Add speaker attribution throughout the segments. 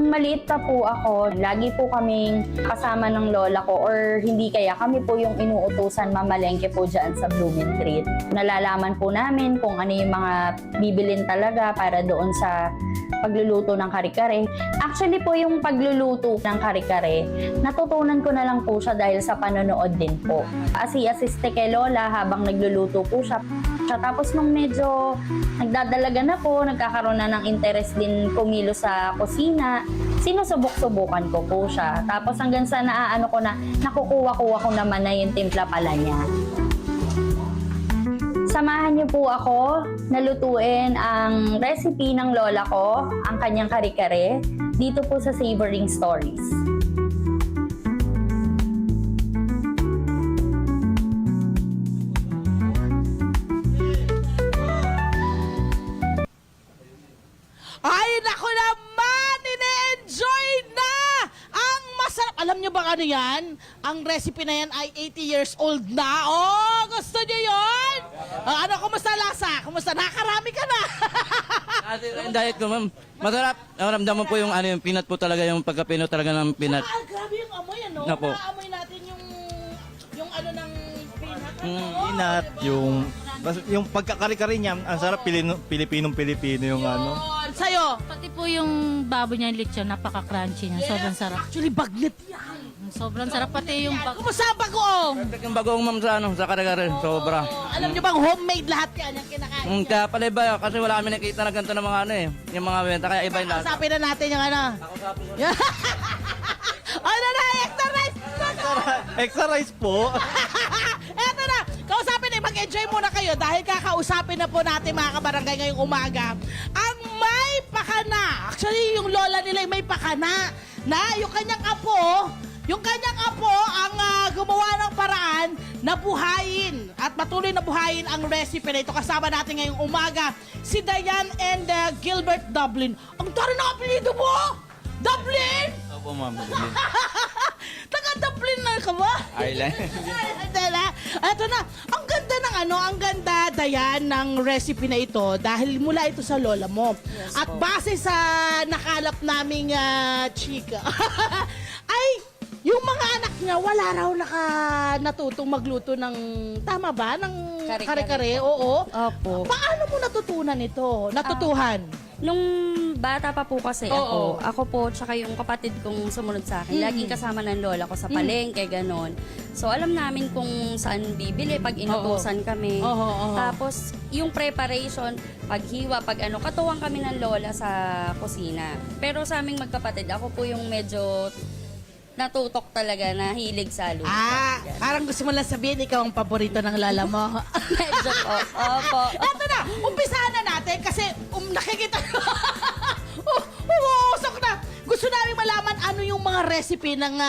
Speaker 1: Nung maliit pa po ako, lagi po kaming kasama ng lola ko or hindi kaya kami po yung inuutusan mamalengke po dyan sa Blooming Treat. Nalalaman po namin kung ano yung mga bibilin talaga para doon sa pagluluto ng kare-kare. Actually po yung pagluluto ng kare-kare, natutunan ko na lang po siya dahil sa panonood din po. Asi-asiste kay lola habang nagluluto po siya. Tapos nung medyo nagdadalaga na po, nagkakaroon na ng interest din pumilo sa kusina, sinusubok-subukan ko po siya. Tapos hanggang sa naaano ko na, nakukuha-kuha ko naman na yung timpla pala niya. Samahan niyo po ako na lutuin ang recipe ng lola ko, ang kanyang kare-kare, dito po sa Savoring Stories.
Speaker 2: Ay, naku naman! Ine-enjoy na! Ang masarap. Alam nyo ba ano yan? Ang recipe na yan ay 80 years old na. Oh, gusto nyo yun? Ano, kumusta lasa? Kumusta? Nakarami ka na.
Speaker 3: Yung diet ko, ma'am. Masarap. Naramdaman po yung ano yung peanut po talaga, yung pagkapino talaga ng peanut.
Speaker 2: Ah, grabe yung amoy, ano?
Speaker 3: Na po.
Speaker 2: Naamoy natin yung ano ng peanut.
Speaker 4: Peanut, yung pagkakari-kari niya, ang sarap Pilipinong-Pilipino yung ano.
Speaker 2: Yun. Sa'yo?
Speaker 5: Pati po yung baboy niya lechon, napaka-crunchy niya. Sobrang sarap.
Speaker 2: Actually, bagnet yan.
Speaker 5: Sobrang sarap pati yung
Speaker 2: Kumusta ang bagoong?
Speaker 3: Perfect yung bagoong, ma'am, sa ano, sa kare-kare. Sobra.
Speaker 2: Alam nyo bang homemade lahat yan yung kinakain?
Speaker 3: Kaya pala iba, kasi wala kami nakita na ganito ng mga ano eh. Yung mga benta, kaya iba yung lahat.
Speaker 2: Usapin na natin yung ano. Ano na, extra rice!
Speaker 4: Extra rice po.
Speaker 2: Eto na, kausapin na, mag-enjoy muna kayo dahil kakausapin na po natin mga kabarangay ngayong umaga. Ang may pakana, actually yung lola nila may pakana na yung kanyang apo ang gumawa ng paraan na buhayin at patuloy na buhayin ang recipe na ito. Kasama natin ngayong umaga si Diane and Gilbert Dublin. Ang tari na apelido mo! Dublin!
Speaker 4: Opo, ma'am.
Speaker 2: Taga-Dublin na ka ba?
Speaker 3: Island.
Speaker 2: Ito na, ang ganda ng ang ganda, Dayan, ng recipe na ito dahil mula ito sa lola mo.
Speaker 1: Yes,
Speaker 2: at
Speaker 1: po.
Speaker 2: base sa nakalap naming chika, ay yung mga anak niya, wala raw natutong magluto ng, tama ba? Ng
Speaker 1: Kare-kare
Speaker 2: kare-kare,
Speaker 1: po.
Speaker 2: oo.
Speaker 1: Opo.
Speaker 2: Paano mo natutunan ito? Natutuhan?
Speaker 1: Nung bata pa po kasi
Speaker 2: Oo.
Speaker 1: ako po, tsaka yung kapatid kong sumunod sa akin, laging kasama ng lola ko sa palengke, ganon. So, alam namin kung saan bibili pag inutusan kami.
Speaker 2: Oo.
Speaker 1: Tapos, yung preparation, paghiwa, pag ano, katuwang kami ng lola sa kusina. Pero sa aming magkapatid, ako po yung medyo natutok talaga na hilig sa luto.
Speaker 2: Parang gusto mo lang sabihin, ikaw ang paborito ng lala mo.
Speaker 1: Medyo po. Opo.
Speaker 2: Eto na, umpisahan na natin kasi nakikita umuusok na. Gusto namin malaman ano yung mga recipe ng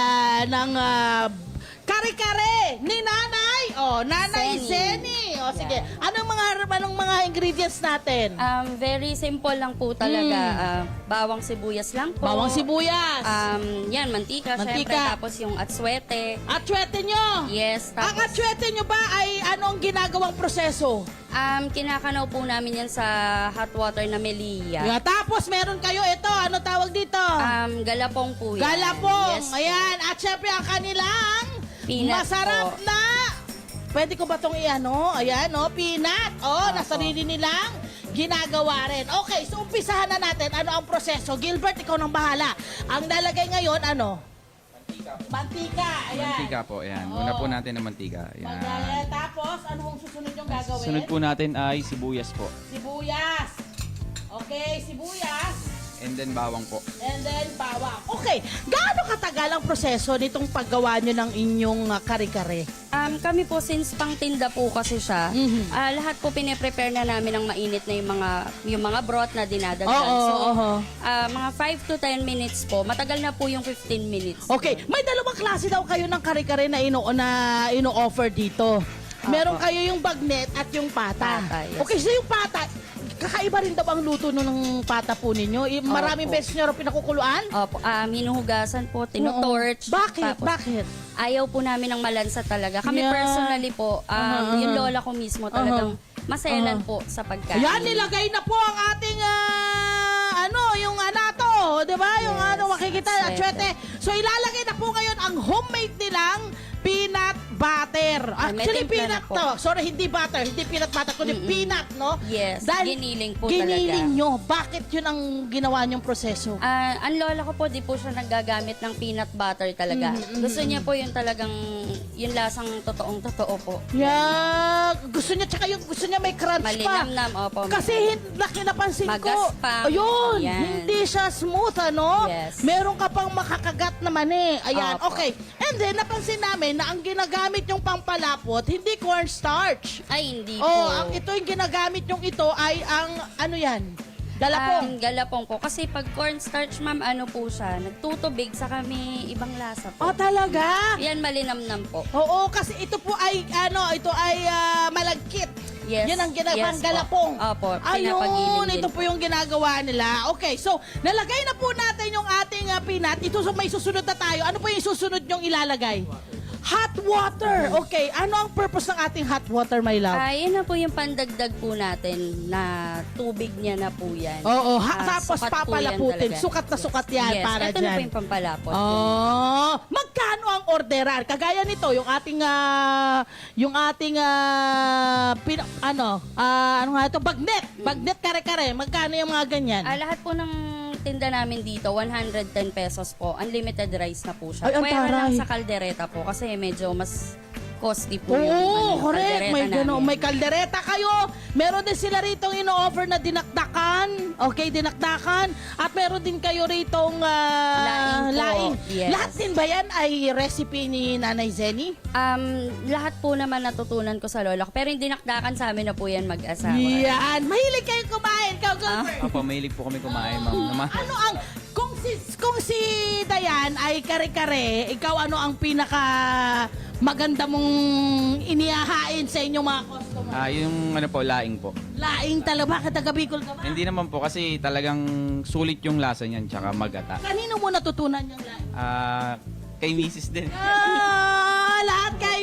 Speaker 2: kare-kare ni Nanay. Oh, Nanay Zeni. Oh, sige. Anong mga ingredients natin?
Speaker 1: Very simple lang po talaga. Bawang sibuyas lang po.
Speaker 2: Bawang sibuyas.
Speaker 1: Yan, mantika, syempre.
Speaker 2: Mantika.
Speaker 1: Tapos yung atswete.
Speaker 2: Atsuete nyo.
Speaker 1: Yes.
Speaker 2: Ang
Speaker 1: Tapos,
Speaker 2: atsuete nyo ba ay ano ang ginagawang proseso?
Speaker 1: kinakanaw po namin yan sa hot water na Melia.
Speaker 2: Yeah, tapos meron kayo ito. Ano tawag dito?
Speaker 1: Galapong po yan.
Speaker 2: Galapong.
Speaker 1: Yes po.
Speaker 2: Ayan. At syempre ang kanilang
Speaker 1: Peanut
Speaker 2: masarap
Speaker 1: po.
Speaker 2: na. Pwede ko ba itong i-ano? Ayan, no? Peanut. Oh, na sarili nilang ginagawa rin. Okay, so umpisahan na natin. Ano ang proseso? Gilbert, ikaw nang bahala. Ang nalagay ngayon, ano? Mantika. Ayan.
Speaker 6: Mantika po, ayan. Una po natin ang mantika. Ayan.
Speaker 2: Ayan. Tapos, ano ang susunod yung gagawin?
Speaker 6: Sunod po natin ay sibuyas po.
Speaker 2: Sibuyas. Okay, sibuyas.
Speaker 6: And then bawang po.
Speaker 2: And then, bawang. Okay, gaano katagal ang proseso nitong paggawa nyo ng inyong kare-kare?
Speaker 1: Kami po, since pang tinda po kasi siya, lahat po pine-prepare na namin ng mainit na yung mga broth na dinadagdag.
Speaker 2: Oo.
Speaker 1: Mga 5 to 10 minutes po. Matagal na po yung 15 minutes.
Speaker 2: Okay, may dalawang klase daw kayo ng kare-kare na ino-offer dito. Meron kayo yung bagnet at yung pata.
Speaker 1: Pata, yes.
Speaker 2: Okay, so yung pata, kakaiba rin daw ang luto ng pata po ninyo. Maraming
Speaker 1: Opo.
Speaker 2: beses nyo rin pinakukuluan?
Speaker 1: Opo, hinuhugasan po, tinutorch.
Speaker 2: Bakit?
Speaker 1: Tapos,
Speaker 2: Bakit?
Speaker 1: ayaw po namin ng malansa talaga. Kami
Speaker 2: Yeah.
Speaker 1: personally po, yung lola ko mismo talagang maselan po sa pagkain.
Speaker 2: Ayan, nilagay na po ang ating, yung anato, di ba? Yung kita, Chwete. So, ilalagay na po ngayon ang homemade nilang peanut butter.
Speaker 7: Ay, may
Speaker 2: Actually,
Speaker 7: timpla
Speaker 2: peanut
Speaker 7: na po.
Speaker 2: to. Sorry, hindi butter. Hindi peanut butter, kundi peanut, no?
Speaker 7: Yes, giniling po
Speaker 2: giniling
Speaker 7: talaga.
Speaker 2: nyo. Bakit yun ang ginawa nyong proseso?
Speaker 7: Ang lola ko po, di po siya naggagamit ng peanut butter talaga. Gusto niya po yung talagang, yung lasang totoong-totoo po.
Speaker 2: Yeah. Gusto niya, tsaka yung gusto niya may crunch pa.
Speaker 7: Malinamnam, opo.
Speaker 2: Kasi napansin ko,
Speaker 7: Magaspang.
Speaker 2: ayun,
Speaker 7: Yan.
Speaker 2: hindi siya smooth, ano?
Speaker 7: Yes.
Speaker 2: Meron ka pang makakagat naman eh. Ayan,
Speaker 7: Opo.
Speaker 2: okay. And then, napansin namin na ang ginagamit yung pampalapot, hindi cornstarch.
Speaker 7: Ay, hindi po.
Speaker 2: Oh, ang ito yung ginagamit yung ito ay ang, ano yan? Galapong.
Speaker 7: Galapong po. Kasi pag cornstarch, ma'am, ano po siya, nagtutubig sa kami ibang lasa po.
Speaker 2: Oh, talaga?
Speaker 7: Yan, malinamnam po.
Speaker 2: Oo, kasi ito po ay, ito ay malagkit.
Speaker 7: Yes.
Speaker 2: Yan ang ginagawang
Speaker 7: Yes po.
Speaker 2: galapong.
Speaker 7: Opo,
Speaker 2: Ayun,
Speaker 7: pinapagiling din
Speaker 2: ito po yung ginagawa nila. Okay, so, nalagay na po natin yung ating peanut. Ito, so may susunod na tayo. Ano po yung susunod yung ilalagay? Hot water. Okay, ano ang purpose ng ating hot water, my love?
Speaker 7: Yun na po yung pandagdag po natin na tubig niya na po yan.
Speaker 2: Oo, tapos
Speaker 7: sukat po yan
Speaker 2: papalaputin.
Speaker 7: talaga.
Speaker 2: Sukat na sukat yan
Speaker 7: Yes,
Speaker 2: para
Speaker 7: ito
Speaker 2: dyan.
Speaker 7: na po yung pampalapot.
Speaker 2: Oh, magkano ang orderan? Kagaya nito, yung ating ano nga ito, bagnet. Bagnet kare-kare. Magkano yung mga ganyan?
Speaker 7: Lahat po ng tinda namin dito, 110 pesos po. Unlimited rice na po siya.
Speaker 2: Ay, ang
Speaker 7: Pwera lang
Speaker 2: taray.
Speaker 7: sa kaldereta po kasi medyo mas costly po
Speaker 2: Oo,
Speaker 7: yung
Speaker 2: correct.
Speaker 7: kaldereta
Speaker 2: May
Speaker 7: namin.
Speaker 2: may kaldereta kayo. Meron din sila rito ino-offer na dinakdakan. Okay, dinakdakan. At meron din kayo ritong
Speaker 7: Laing po.
Speaker 2: laing.
Speaker 7: Yes.
Speaker 2: Lahat din ba yan ay recipe ni Nanay Zenny?
Speaker 7: Lahat po naman natutunan ko sa lola ko. Pero yung dinakdakan sa amin na po yan mag-asawa.
Speaker 2: Yan. Mahilig kayo kumain. Ikaw, Gilbert.
Speaker 6: Opo, mahilig po kami kumain, ma'am.
Speaker 2: Ano ang kung si Dayan ay kare-kare, ikaw ano ang pinaka maganda mong inihahain sa inyong mga customer?
Speaker 6: Yung ano po, laing po.
Speaker 2: Laing talaga, bakit taga Bicol ka ba?
Speaker 6: Hindi naman po kasi talagang sulit yung lasa niyan, tsaka magata.
Speaker 2: Kanino mo natutunan yung laing?
Speaker 6: Kay Mrs. din.
Speaker 2: Lahat kay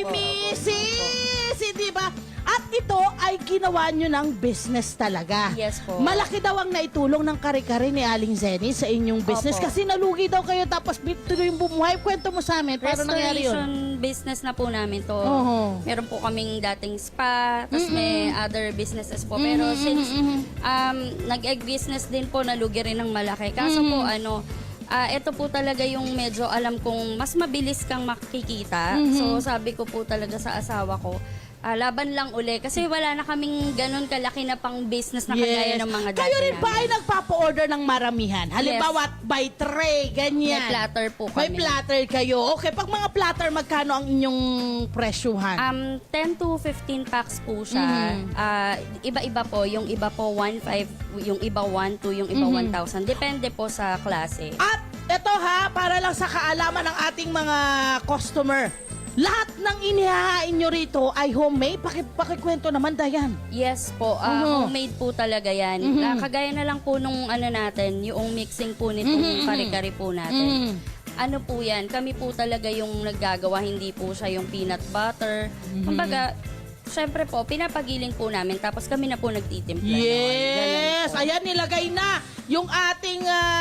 Speaker 2: Mrs. Hindi ba? At ito ay ginawa nyo ng business talaga.
Speaker 7: Yes po.
Speaker 2: Malaki daw ang naitulong ng kare-kare ni Aling Zenny sa inyong business.
Speaker 7: Opo.
Speaker 2: Kasi nalugi daw kayo tapos tuloy yung bumuhay. Kwento mo sa amin, paano nangyari yun?
Speaker 7: Restoration business na po namin to.
Speaker 2: Oo.
Speaker 7: Meron po kaming dating spa, tapos may other businesses po. Pero since nag-egg business din po, nalugi rin ng malaki. Kaso po, ito po talaga yung medyo alam kong mas mabilis kang makikita. So sabi ko po talaga sa asawa ko, laban lang uli. Kasi wala na kaming ganun kalaki na pang business na kagaya ng mga dati
Speaker 2: Kayo rin ba
Speaker 7: namin.
Speaker 2: ay nagpapa-order ng maramihan? Halimbawa, by tray, ganyan.
Speaker 7: May platter po
Speaker 2: May
Speaker 7: kami.
Speaker 2: platter kayo. Okay, pag mga platter, magkano ang inyong presyuhan?
Speaker 7: 10 to 15 packs po siya. Iba-iba po. Yung iba po 1.5, yung iba 1.2, yung iba 1,000. Depende po sa klase.
Speaker 2: At ito para lang sa kaalaman ng ating mga customer. Lahat ng inihahain nyo rito ay homemade. Pakikwento naman, Dayan.
Speaker 7: Yes po. Homemade po talaga yan. Kagaya na lang po nung natin, yung mixing po nitong kare-kare po natin. Ano po yan, kami po talaga yung naggagawa, hindi po siya yung peanut butter. Kumbaga, syempre po, pinapagiling po namin, tapos kami na po nagtitimpla.
Speaker 2: Yes!
Speaker 7: Ganun po.
Speaker 2: Ayan, nilagay na yung ating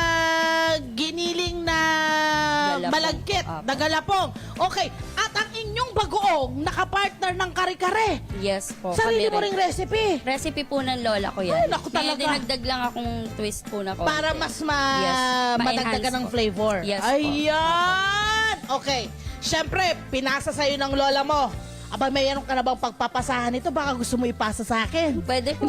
Speaker 2: giniling na
Speaker 7: Galapong.
Speaker 2: malagkit,
Speaker 7: Apo.
Speaker 2: na galapong. Okay, at ang inyong bagoong nakapartner ng kare-kare.
Speaker 7: Yes po.
Speaker 2: Sarili
Speaker 7: kami
Speaker 2: mo
Speaker 7: rin.
Speaker 2: ring recipe.
Speaker 7: Recipe po ng lola ko yan.
Speaker 2: Ay, naku,
Speaker 7: May
Speaker 2: talaga.
Speaker 7: dinagdag lang akong twist po na konti.
Speaker 2: Para mas
Speaker 7: Yes,
Speaker 2: madagdagan
Speaker 7: ma-enhance
Speaker 2: ng
Speaker 7: po.
Speaker 2: flavor.
Speaker 7: Yes po.
Speaker 2: Ayan! Okay. Siyempre, pinasa sa'yo ng lola mo. Aba, mayroon ka na bang pagpapasahan ito? Baka gusto mo ipasa sa akin.
Speaker 7: Pwede po.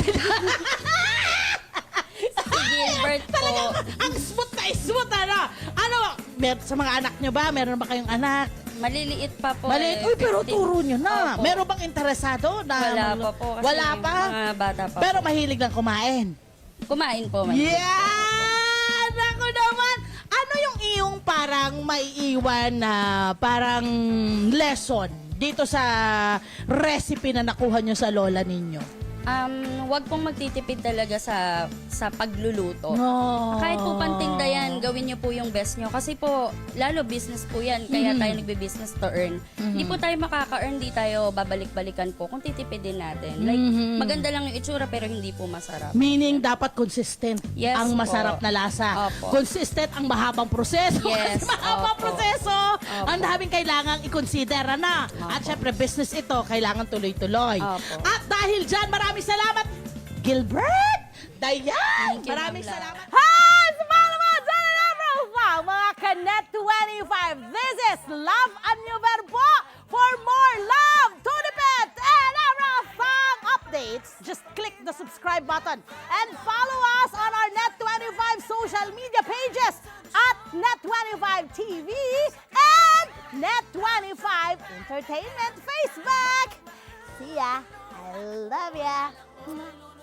Speaker 7: Si Gilbert po.
Speaker 2: Ang smooth na smooth, ano? Ano? Sa mga anak nyo ba? Meron ba kayong anak?
Speaker 7: Maliliit pa po.
Speaker 2: Maliit. Uy, pero
Speaker 7: 15.
Speaker 2: turo nyo na.
Speaker 7: Opo.
Speaker 2: Meron bang interesado? Na
Speaker 7: Wala pa po. Kasi
Speaker 2: Wala pa?
Speaker 7: Mga bata pa
Speaker 2: Pero
Speaker 7: po.
Speaker 2: mahilig lang kumain.
Speaker 7: Kumain po.
Speaker 2: Yan! Ako naman! Ano yung iyong parang maiiwan na parang lesson dito sa recipe na nakuha nyo sa lola ninyo?
Speaker 7: Wag pong magtitipid talaga sa pagluluto.
Speaker 2: No.
Speaker 7: Kahit po pantinda yan, gawin niyo po yung best niyo. Kasi po, lalo business po yan, kaya tayo nagbe-business to earn. Hindi po tayo makaka-earn, di tayo babalik-balikan po kung titipidin natin. Like, maganda lang yung itsura pero hindi po masarap.
Speaker 2: Meaning, dapat consistent
Speaker 7: Yes
Speaker 2: ang
Speaker 7: po.
Speaker 2: masarap na lasa.
Speaker 7: Opo.
Speaker 2: Consistent ang mahabang proseso.
Speaker 7: Yes,
Speaker 2: Kasi mahabang
Speaker 7: opo.
Speaker 2: proseso,
Speaker 7: Opo.
Speaker 2: ang daming kailangang i-consider na. At syempre, business ito, kailangan tuloy-tuloy.
Speaker 7: Opo.
Speaker 2: At dahil dyan, maraming salamat, Gilbert! Dayan!
Speaker 7: Thank you,
Speaker 2: Maraming
Speaker 7: Ma'am Lau.
Speaker 2: salamat. Hi! Sa mga naman, sa profile, mga Kanet 25. This is Love and New Verbo. For more love, Tunipet, and Arafang updates, just click the subscribe button and follow us on our Net25 social media pages at Net25 TV and Net25 Entertainment Facebook. See ya. I love ya.